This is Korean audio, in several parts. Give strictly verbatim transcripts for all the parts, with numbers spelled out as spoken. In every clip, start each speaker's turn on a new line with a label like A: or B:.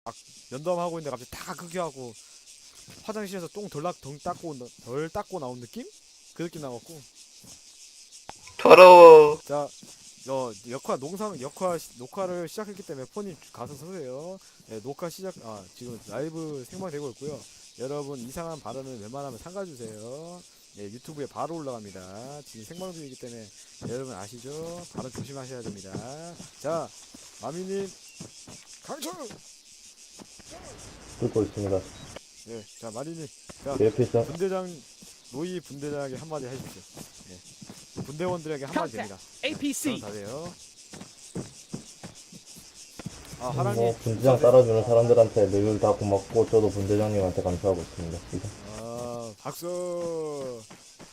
A: 막 면담하고 있는데 갑자기 다 흡기하고 화장실에서 똥 덜 덜 닦고 덜 닦고 나온 느낌? 그 느낌 나갖고.
B: 더러워.
A: 자, 어, 역할 농상 역할 시- 녹화를 시작했기 때문에 폰이 가서 서세요. 네, 녹화 시작. 아, 지금 라이브 생방되고 있고요. 여러분 이상한 발언은 웬만하면 삼가주세요. 네, 유튜브에 바로 올라갑니다. 지금 생방 중이기 때문에 여러분 아시죠? 발언 조심하셔야 됩니다. 자, 마미님, 강철.
C: 듣고 있습니다.
A: 네, 자 마리님, 자
C: 내 옆에 있어.
A: 분대장 노이 분대장에게 한마디 해주십시오. 네, 분대원들에게 한마디 됩니다.
D: 에이피씨.
A: 다 돼요. 아
C: 뭐
A: 하랑님,
C: 분대장 따라주는 사람들한테 늘 다 고맙고 저도 분대장님한테 감사하고 있습니다. 이상.
A: 아 박수.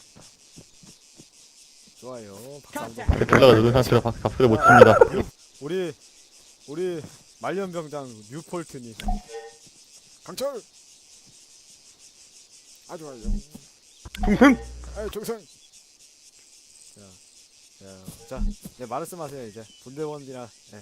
A: 좋아요. 박수 한번.
E: 대표가 늦은 상태로 박- 박수를 못 칩니다.
A: 우리 우리 말년병장 뉴폴트님, 강철. 아주 좋아요.
E: 풍승!
A: 아유 종성. 자, 자, 자, 네 말씀하세요 이제 분대원이나. 네.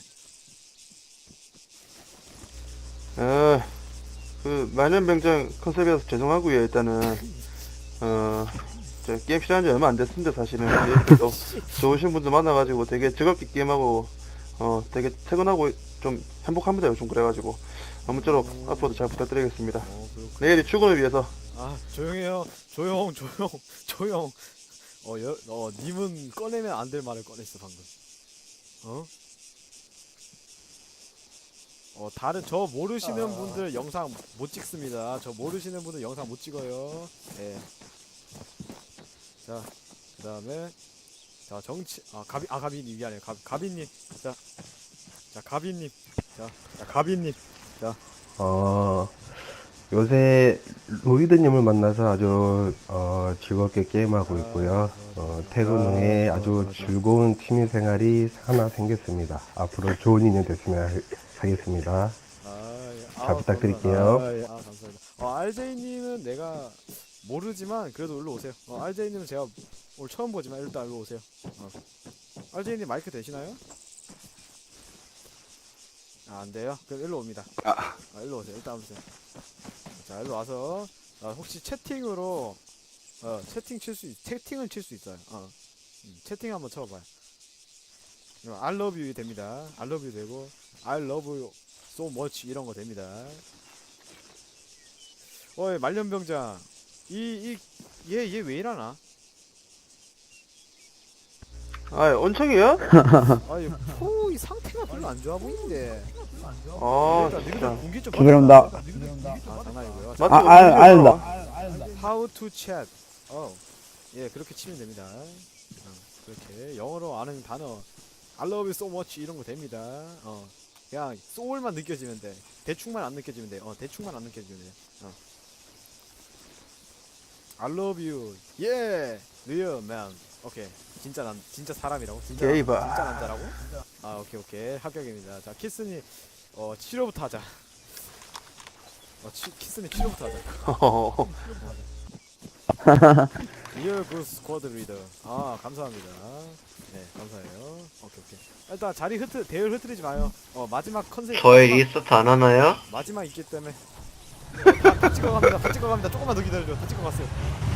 B: 아, 그 만년병장 컨셉이라서 죄송하고요. 일단은 어, 저 게임 시작한 지 얼마 안 됐습니다. 사실은 그래도 좋으신 분들 만나가지고 되게 즐겁게 게임하고 어, 되게 퇴근하고 좀 행복합니다. 요즘 그래가지고 아무쪼록 앞으로도 잘 부탁드리겠습니다.
A: 어, 그렇군.
B: 내일이 출근을 위해서.
A: 아 조용해요. 조용 조용 조용. 어, 여, 어 님은 꺼내면 안 될 말을 꺼냈어 방금. 어? 어 다른 저 모르시는 분들 영상 못 찍습니다. 저 모르시는 분들 영상 못 찍어요. 예. 자 그다음에 자 정치 아 가비 아 가비님 미안해요. 가 가비님 자 자 가비님 자, 자 가비님
F: 어, 요새 로이드님을 만나서 아주 어, 즐겁게 게임하고 있고요. 어, 퇴근 후에 아주 즐거운 취미 생활이 하나 생겼습니다. 앞으로 좋은 인연 됐으면 하- 하겠습니다.
A: 아, 예.
F: 잘
A: 아,
F: 부탁드릴게요.
A: 감사합니다. 아, 예. 아, 감사합니다. 어, 알제이님은 내가 모르지만 그래도 일로 오세요. 어, 알제이님은 제가 오늘 처음 보지만 일단 일로 오세요. 어. 알제이님 마이크 되시나요? 아, 안 돼요? 그럼 일로 옵니다. 아, 일로 오세요. 일단 오세요. 자, 일로 와서 어, 혹시 채팅으로 어, 채팅 칠 수, 채팅은 칠 수 있어요. 어. 음, 채팅 한번 쳐봐요. 어, I love you 됩니다. I love you 되고 I love you so much 이런 거 됩니다. 어이 말년병장 이 이 얘 얘 왜 이러나?
B: 아, 온청이요?
A: 아이 포이 상태가 별로 안 좋아 보이는데.
B: 아,
A: 일단 니들
B: 진짜.
A: 공기 좀
G: 죄송합니다.
A: 아 장난이고요.
B: 맞죠?
G: 아, 아, 아닙니다.
A: How to chat. 어, 예 그렇게 치면 됩니다. 어, 그렇게 영어로 아는 단어 I love you so much 이런 거 됩니다. 어, 그냥 soul만 느껴지면 돼. 대충만 안 느껴지면 돼. 어, 대충만 안 느껴지면 돼. 어. I love you. 예, real man. 오케이. 진짜 난 진짜 사람이라고? 진짜
B: 게이바.
A: 진짜 남자라고? 아, 오케이 오케이 합격입니다. 자, 키스니 어 치료부터 하자. 어, 치, 키스니 치료부터 하자. 리얼 그 스쿼드 리더. 아 감사합니다. 네 감사해요. 오케이 오케이. 일단 자리 흐트 대열 흐트리지 마요. 어 마지막 컨셉.
B: 저의
A: 마지막,
B: 리스트 안 하나요?
A: 마지막 있기 때문에. 네, 다, 다 찍어갑니다. 다 찍어갑니다. 조금만 더 기다려줘. 다 찍어갔어요.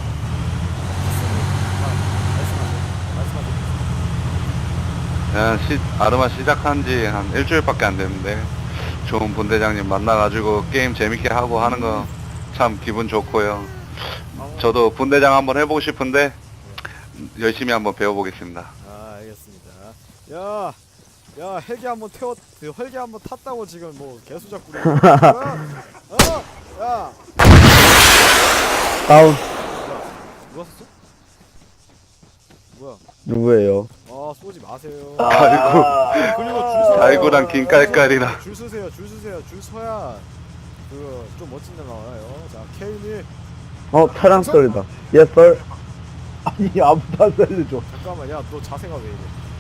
A: 아, 말씀하세요. 말씀하세요.
H: 야, 시, 아르마 시작한 지 한 일주일밖에 안 됐는데 좋은 분대장님 만나가지고 게임 재밌게 하고 하는 거 참 기분 좋고요. 저도 분대장 한번 해보고 싶은데 열심히 한번 배워보겠습니다.
A: 아 알겠습니다. 야, 야 헬기 한번 태웠, 그 헬기 한번 탔다고 지금 뭐 개수작 부리고. 어, 어, 야,
G: 다운.
A: 누가 쐈어? 뭐야?
G: 누구예요?
A: 아 쏘지 마세요.
H: 아이고,
A: 그리고 줄 서.
H: 아이고랑 긴 깔깔이라.
A: 줄 서세요, 줄 서세요, 줄 서야 그 좀 멋진 데 나와요. 자, 케인이
G: 어, 차량 소리다. Yes, sir. 아니, 아무도 안 살려줘.
A: 잠깐만, 야, 너 자세가 왜 이래?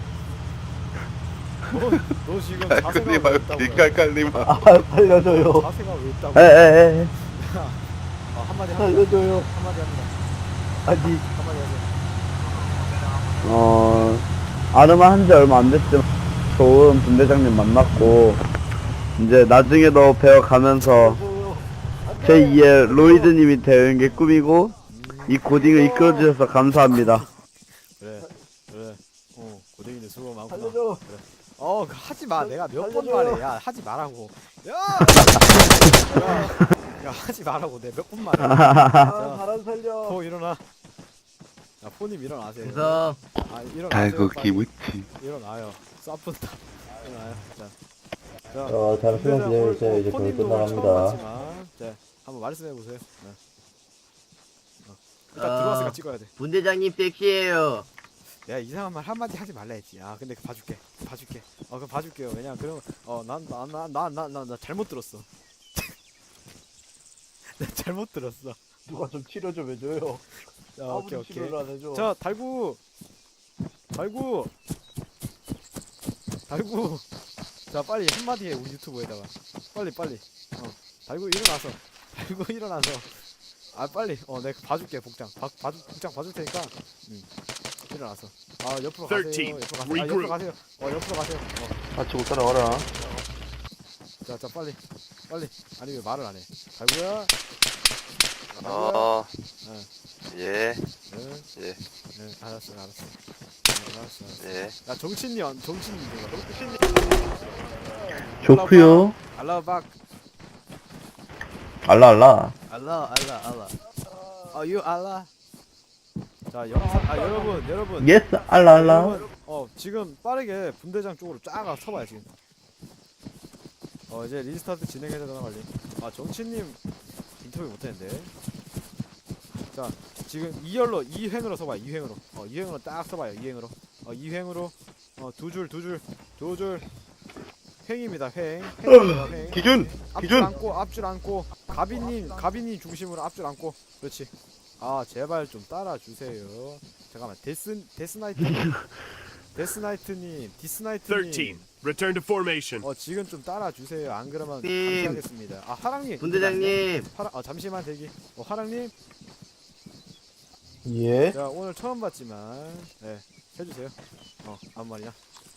A: 너, 너 지금 자세가
H: 깔깔님
A: 왜
H: 말고
A: 있다고?
H: 긴 깔깔님 말고.
G: 아, 살려줘요.
A: 자세가 왜 있다고?
G: 에, 에, 에.
A: 아, 한마디 합니다.
G: 살려줘요.
A: 한마디 합니다.
G: 아니,
A: 한마디 하세요.
G: 어, 아르마 한 지 얼마 안 됐지만 좋은 분대장님 만났고 이제 나중에 더 배워가면서 제이의 로이드님이 되는 게 꿈이고 이 고딩을 이끌어주셔서 감사합니다.
A: 그래 그래 어 고댕이들 수고 많구나. 그래. 어 그 하지 마. 내가 몇 번 말해. 야 하지 말라고. 야, 야, 야 하지 말라고. 내가 몇 번 말해. 자,
G: 바람 살려.
A: 포 일어나. 야 포님 일어나세요.
D: 그래서
A: 아 일어나세요.
H: 아이고
A: 빨리.
H: 기무치.
A: 일어나요. 쏴푼다. 일어나요. 자. 자.
C: 어, 잠시만 기다려주세요. 이제 거의
A: 포님도 오늘 처음
C: 끝나갑니다.
A: 봤지만, 자 한번 말씀해 보세요. 네. 어. 일단
D: 아.
A: 들어왔으니까 찍어야 돼.
D: 분대장님 섹시해요.
A: 내가 이상한 말 한마디 하지 말라 했지. 아 근데 봐줄게. 봐줄게. 어 그럼 봐줄게요. 왜냐면 그럼 어난난난난난 나 잘못 들었어. 나 잘못 들었어.
B: 누가 좀 치료 좀 해줘요.
A: 자 오케이 오케이.
B: 안 해줘.
A: 자 달구 달구 달구. 자 빨리 한마디 해 우리 유튜브에다가. 빨리 빨리. 어 달구 일어나서. 달구 일어나서. 아 빨리. 어 내가 봐줄게 복장. 봐 봐줄 복장 봐줄 테니까. 응. 일어나서. 아 옆으로 가세요. 옆으로 가세요. 아 옆으로 가세요. 어 옆으로 가세요. 어.
B: 같이 못 따라와라.
A: 자, 자 빨리 빨리. 아니 왜 말을 안 해? 달구야.
H: 어,
A: 네,
H: 예,
A: 네,
H: 예,
A: 네, 알았어, 알았어. 네, 알았어, 알았어.
H: 예.
A: 야 정신님, 안- 정신님 누가? 정신님.
G: 좋구요.
A: 알라박.
G: 알라 알라.
A: 알라, 알라, 알라. 어, you 알라. 자, 영상. 아 여러분, 여러분.
G: 예스 알라 알라.
A: 여러분, 어 지금 빠르게 분대장 쪽으로 쫙 서봐요 지금. 어 이제 리스타트 진행해야 되나 관리. 아 정치님 인터뷰 못했는데. 자 지금 이열로 이횡으로 서봐요. 이횡으로. 어 이횡으로 딱 서봐요. 이횡으로. 어 이횡으로. 어 두 줄 두 줄 두 줄. 횡입니다. 횡. 횡입니다, 횡.
B: 기준
A: 앞줄
B: 기준.
A: 안고 앞줄 안고 가비님 가비님 중심으로 앞줄 안고. 그렇지. 아 제발 좀 따라주세요. 잠깐만 데스 데스나이트님 데스나이트님 디스나이트님
I: thirteen. Return to formation.
A: 어 지금 좀 따라주세요. 안 그러면
D: 님.
A: 감시하겠습니다. 아 하랑님
D: 분대장님.
A: 하랑 어 잠시만 대기. 어 하랑님
C: 예?
A: 자 오늘 처음 봤지만 네 해주세요. 어 아무 말이야.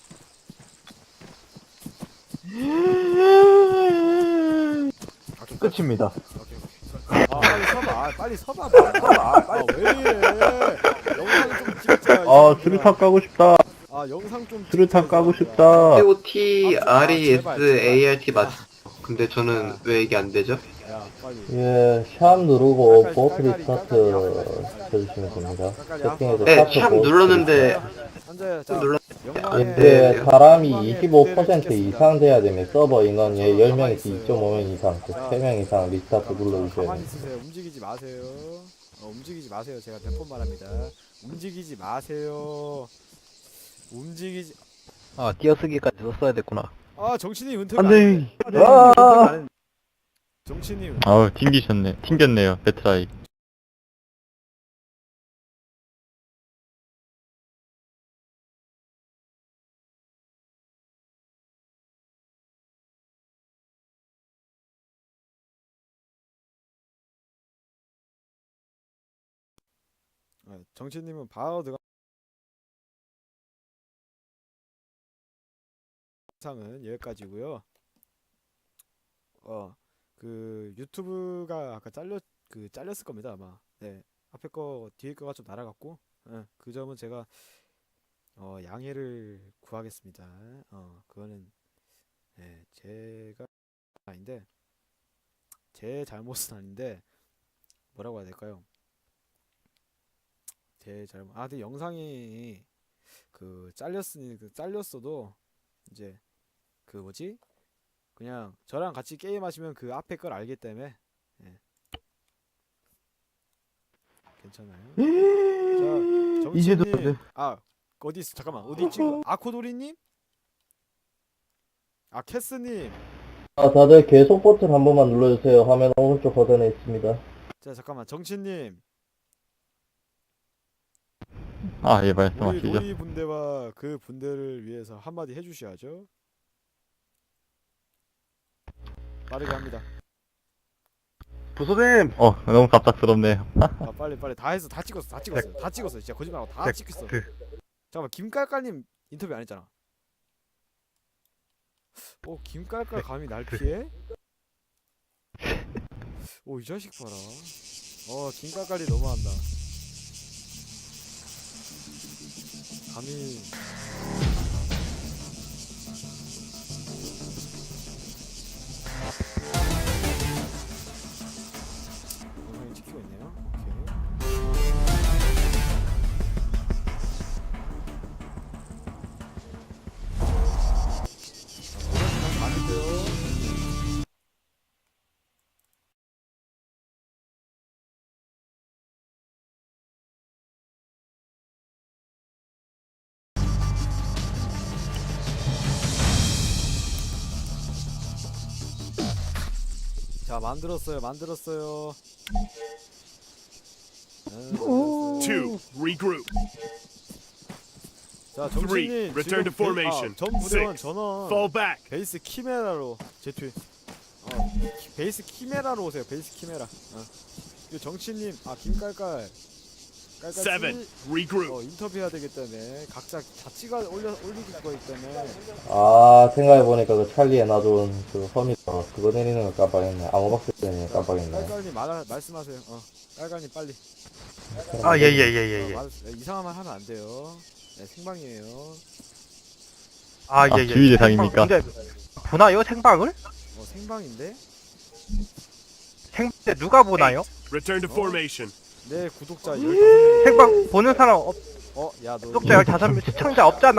A: 오케이,
C: 끝입니다.
A: 오케이, 오케이. 아 빨리 서봐. 아, 빨리 서봐. 빨리 서봐. 아, 왜 이래? 영상 좀 찍자.
G: 아 수류탄 까고 싶다.
A: 아 영상 좀
G: 수류탄
A: 찍자,
G: 까고
A: 이거.
G: 싶다.
D: O T R E S A R T 맞.
A: 근데
D: 저는 왜 이게 안 되죠?
A: 야 빨리.
C: 예, 샵 누르고
A: 깔깔이,
C: 보트
A: 깔깔이,
C: 리스타트
A: 깔깔이.
C: 해주시면 됩니다.
A: 깔깔이
C: 세팅에서
D: 네,
C: 샤프
D: 샵
C: 보트
D: 눌렀는데
A: 앉아요. 자
D: 눌러.
A: 영광의
C: 이제
D: 네.
C: 사람이
A: 영광의
C: 이십오
A: 무대를
C: 퍼센트
A: 찍겠습니다.
C: 이상 돼야 되면 서버 인원이
A: 저는
C: 열
A: 가만히
C: 명에서
A: 있어요.
C: 이 점 오 명 이상,
A: 자,
C: 세 명 이상 리스타트
A: 잠깐만,
C: 눌러주셔야
A: 가만히
C: 됩니다.
A: 있으세요. 움직이지 마세요. 어, 움직이지 마세요. 제가 몇 번 말합니다. 움직이지 마세요. 움직이지.
G: 아 띄어쓰기까지 썼어야 됐구나.
A: 아 정신이 은퇴가
G: 안돼.
A: 안 돼.
G: 아.
A: 정신이
E: 아우, 튕기셨네. 튕겼네요, 배트라이.
A: 아, 정치님은 바로 들어가. 영상은 여기까지고요. 어, 그 유튜브가 아까 잘렸 그 잘렸을 겁니다 아마. 네, 앞에 거 뒤에 거가 좀 날아갔고, 예, 그 점은 제가 어 양해를 구하겠습니다. 어, 그거는 네, 제가 아닌데 제 잘못은 아닌데 뭐라고 해야 될까요? 제 잘못. 아, 근데 영상이 그 잘렸으니 그 잘렸어도 이제 그 뭐지? 그냥 저랑 같이 게임 하시면 그 앞에 걸 알기 때문에 예. 괜찮아요. 자,
B: 이제도
A: 정치님. 아, 어디 있어? 잠깐만. 어디 있지? 아코도리님? 아, 캐스님.
C: 아, 다들 계속 버튼 한 번만 눌러주세요. 화면 오른쪽 하단에 있습니다.
A: 자, 잠깐만. 정치님.
E: 아, 예,
A: 우리
E: 말씀하시죠.
A: 로이 분대와 그 분대를 위해서 한마디 해주셔야죠. 빠르게 합니다.
B: 부소님.
E: 어, 너무 갑작스럽네요.
A: 아 빨리 빨리 다 했어. 다 찍었어. 다 찍었어. 다 찍었어. 진짜 거짓말하고 다 찍혔어. 잠깐만 김깔깔님 인터뷰 안 했잖아. 어 김깔깔 감히 날 피해? 오 이 자식 봐라. 어 김깔깔이 너무한다. 감히 영상이 찍히고 있네요. 오케이. 맞을게요. 자 만들었어요 만들었어요. 네, 만들었어요.
I: Two, regroup.
A: 자
I: Three,
A: 정신님
I: return to formation.
A: 전 부대원
I: Six,
A: 전원
I: fall back.
A: 베이스 키메라로 제투. 어 키- 베이스 키메라로 오세요. 베이스 키메라. 어. 이 정치님 아 김깔깔 깔깔
I: Seven,
A: 씨,
I: regroup.
A: 어 인터뷰해야 되기 때문에 각자 다 찍어 올려 올리기 거기 때문에
C: 아, 생각해보니까 그 찰리에 놔둔 그 험이다. 그거 내리는 거 깜빡했네. 암호박스 때문에 깜빡했네.
A: 깔깔님 말 말씀하세요. 어 깔깔님 빨리.
J: 아, 예, 예, 예, 예, 예.
A: 어, 말, 이상한 말 하면 안 돼요. 네, 생방이에요.
J: 아,
E: 아,
J: 예, 예.
E: 지휘 대상입니까?
J: 근데, 보나요, 생방을?
A: 어 생방인데
J: 생방인데 누가 보나요?
I: Return to formation.
A: 내 구독자 열다섯 명.
J: 생방 보는 사람 없,
A: 어, 야, 너
J: 구독자 열다섯 명, 시청자 없잖아.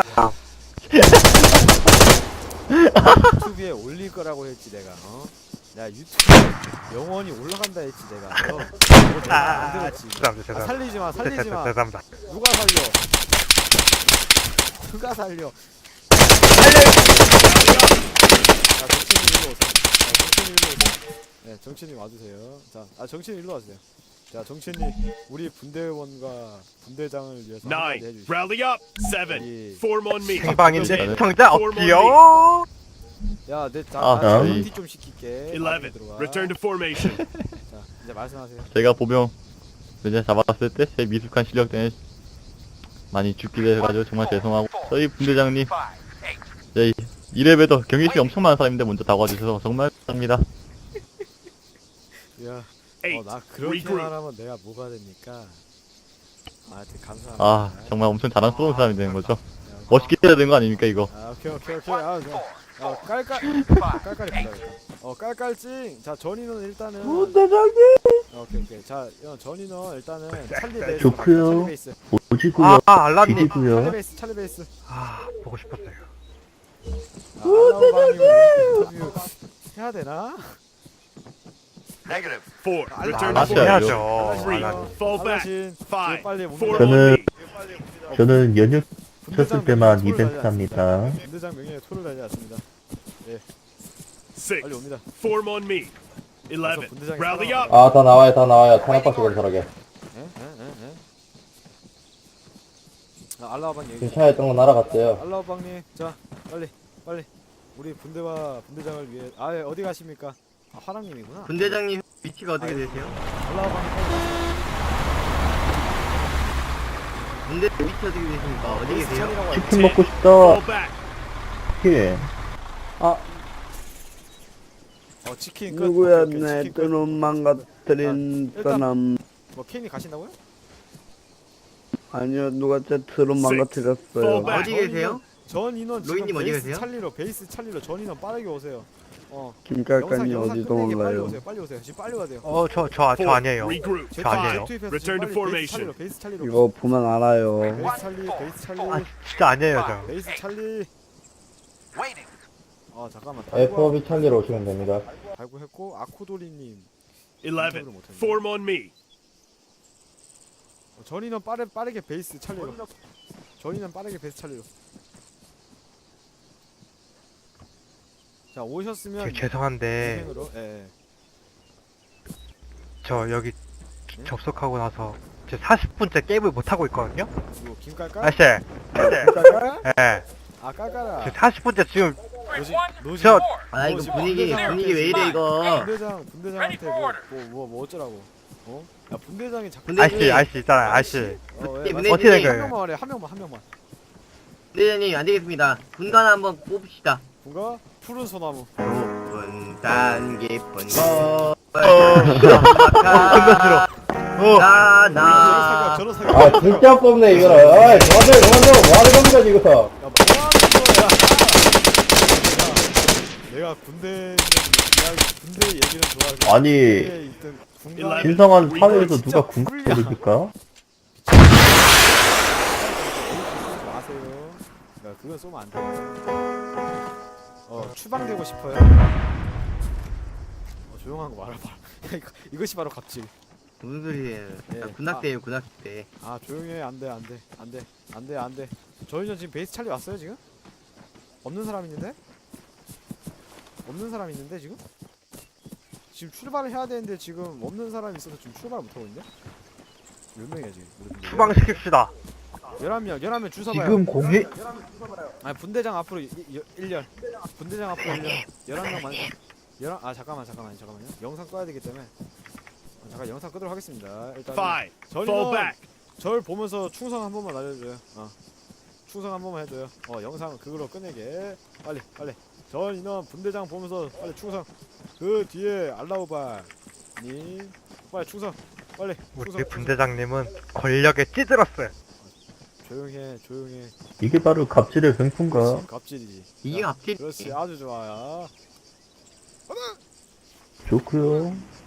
A: 유튜브에 올릴 거라고 했지 내가. 어? 야 유튜브에 영원히 올라간다 했지 내가. 어? 너 내가
J: 아,
A: 만들었지.
J: 죄송합니다,
A: 아,
J: 죄송합니다.
A: 살리지 마, 살리지 마.
J: 죄송합니다.
A: 누가 살려? 누가 살려? 자, 정치님 일로 오세요. 자, 정치님 일로 오세요. 네, 정치님 와주세요. 자, 아 정치님 일로 와주세요. 자, 정치님 우리 분대원과 분대장을 위해서 한마디
I: Nine,
A: 해주시죠.
I: rally up. Seven,
A: 이-
I: form on me.
J: 생방인데
E: 저는-
J: 시청자 없지요?
A: 야, 내 자,
E: 아,
A: 나
E: 저희-
A: 티 좀 시킬게.
I: Eleven,
A: 들어와.
I: return to formation.
A: 자, 이제 말씀하세요.
E: 제가 보병 이제 잡았을 때 제 미숙한 실력 때문에 많이 죽기도 해가지고 정말 죄송하고 저희 분대장님 제 이래봬도 경기심이 엄청 많은 사람인데 먼저 다가와주셔서 정말 감사합니다.
A: 야, 어,
I: Eight,
A: 나 그렇게
I: regroup.
A: 말하면 내가 뭐가 됩니까? 아, 되게 감사합니다.
E: 아 정말 엄청 자랑스러운 사람이 되는 거죠.
A: 야,
E: 멋있게 해야 되는 거 아닙니까 이거?
A: 아, 오케이, 오케이, 오케이. 아, 저, 어, 깔깔, 깔깔이 불러야겠다. 어, 깔깔찡. 자, 전인은 일단은.
G: 부대장님!
A: 어, 오케이, 오케이. 자, 어, 전인은 일단은 찰리 베이스.
F: 좋고요.
A: 찰리 베이스.
F: 오지고요.
J: 아, 아, 알라님.
A: 찰리
F: 비디고요.
A: 베이스, 찰리 베이스.
J: 아, 보고 싶었어요.
A: 아, 알라방이 인터뷰 해야 되나?
I: Four,
A: 아,
I: return to
E: 알았어요.
I: formation.
J: 해야죠.
I: Three,
J: 알라님.
I: fall back.
A: 알라신,
I: Five,
A: 지금 빨리
I: form
A: 문
I: on
F: 저는-
I: me.
F: 저는 연휴
A: 분대장
F: 쳤을 때만
A: 명예에 토를
F: 이벤트
A: 달지 않습니다.
F: 합니다.
A: 분대장 명예에 토를 달지 않습니다.
I: Six,
A: 빨리 옵니다.
I: form on me. Eleven,
A: 분대장이
I: rally
A: 살아남았다.
I: up.
C: 아, 다 나와요, 다 나와요. 탄압박스 건설하게.
A: 에? 에? 에? 에? 아, 알라방 얘기.
C: 지금 차에 있던 거 날아갔대요.
A: 알라방님, 자, 빨리, 빨리. 우리 분대와 분대장을 위해. 아, 예, 어디 가십니까? 아, 화랑님이구나.
D: 분대장님 위치가 어떻게 되세요?
A: 알라방님, 빨리.
D: 분대 위치 어떻게 되십니까? 어디 계세요?
A: 천이라고 알고
F: 치킨 먹고 싶다.
I: Fall back.
F: 예.
A: 어, 치킨 끝.
G: 누구야,
A: 오케이, 오케이,
G: 내
A: 치킨 끝.
G: 눈 망가뜨린
A: 일단-
G: 사람.
A: 뭐 케인이 가신다고요?
G: 아니요, 누가 제 드론
I: Six,
G: 망가뜨렸어요.
I: fall back.
D: 어디 계세요?
A: 전 인원 지금
D: 로이님 어디
A: 베이스
D: 계세요?
A: 찰리로 베이스 찰리로 전 인원 빠르게 오세요. 어.
G: 김깔간이
A: 영상
G: 어디도
A: 끝내기 빨리
G: 몰라요.
A: 오세요. 빨리 오세요. 지금 빨리 와야 돼요.
J: 어, 저, 저, 저
I: Four,
J: 아니에요.
I: regroup.
A: 제트,
J: 저 아니에요.
A: 제트입에서
I: Return to
A: 지금 빨리
I: formation.
A: 베이스 찰리로 베이스 찰리로.
G: 이거 보면 알아요.
A: 베이스 찰리 베이스 찰리
J: 아, 진짜 아니에요, 저.
A: 베이스 찰리. 아 잠깐만.
C: 에프오비 찰리로 오시면 됩니다.
A: 발구했고 아코도리님.
I: Eleven, form on me.
A: 어, 전인은 빠르 빠르게 베이스 찰리로. 전인은 빠르게 베이스 찰리로. 자 오셨으면
J: 저 죄송한데,
A: 진행으로. 예. 예.
J: 저 여기 접속하고 나서 제 사십 분째 게임을 못하고 있거든요?
A: 이거 김깔깔?
J: 아씨, 아씨,
A: 깔깔?
J: 예.
A: 아 깔깔아.
J: 제 사십 분째 지금,
A: 노지 노지.
J: 저,
D: 아 이거
A: 지금
D: 분위기
A: 분대장한테
D: 분위기 왜 이래
A: 지금
D: 이거?
A: 분대장 분대장한테 뭐 뭐 뭐 뭐 어쩌라고? 어? 야 분대장이 자꾸.
D: 분대장님.
J: 아씨, 아씨 있잖아요, 아씨.
A: 어, 왜?
D: 분대-
A: 맞아.
J: 어떻게 된
A: 한
J: 거예요?
A: 명만 말해 한 명만 한 명만.
D: 분대장님 안 되겠습니다. 분간 한번 뽑읍시다.
A: 누가? 푸른 소나무.
D: 높은 산 깊은 곳
E: 어.
D: 나나
E: 어.
A: 저런
D: 나나
A: 사격 저런 사격.
C: 아 진짜 뽑네 이거는. 어이 그만둬 그만둬 뭐하는 겁니까 지금.
A: 야, 뭐하는 거야? 내가, 내가 군대, 내가 군대 얘기는 좋아하지.
E: 아니,
A: 군대에 있던 군대
E: 신성한 사회에서 누가 군대를 줍니까?
A: 마세요. 야, 그건 쏘면 안 돼. 어, 추방되고 싶어요? 어, 조용한 거 말아봐. 야, 이거, 이것이 바로 갑질.
D: 무슨 소리예요?
A: 예.
D: 나 군악대예요 군악대.
A: 아, 조용해. 안 돼, 안 돼. 안 돼. 안 돼, 안 돼. 저희는 지금 베이스 찰리 왔어요, 지금? 없는 사람 있는데? 없는 사람 있는데, 지금? 지금 출발을 해야 되는데, 지금 없는 사람이 있어서 지금 출발을 못하고 있는데? 몇 명이야, 지금?
J: 추방시킵시다.
A: 열한 명, 열한 명 줄 서봐요.
E: 지금 공개
A: 아니, 분대장 앞으로 일 년. 분대장 앞으로 일 년. 열한 명 만. 열한, 아, 잠깐만, 잠깐만, 잠깐만요. 영상 꺼야 되기 때문에. 어, 잠깐 영상 끄도록 하겠습니다. 일단.
I: Five. Fall
A: 저는
I: back.
A: 절 보면서 충성 한 번만 알려줘요. 어. 충성 한 번만 해줘요. 어, 영상 그걸로 끝내게. 빨리, 빨리. 전 인원 분대장 보면서 빨리 충성. 그 뒤에 알라우바님 빨리 충성. 빨리. 충성.
J: 우리 분대장님은 권력에 찌들었어요.
A: 조용해, 조용해.
E: 이게 바로 갑질의 횡포인가?
A: 그렇지, 갑질이지.
D: 이게
A: 자,
D: 갑질.
A: 그렇지, 아주 좋아요.
E: 좋고요.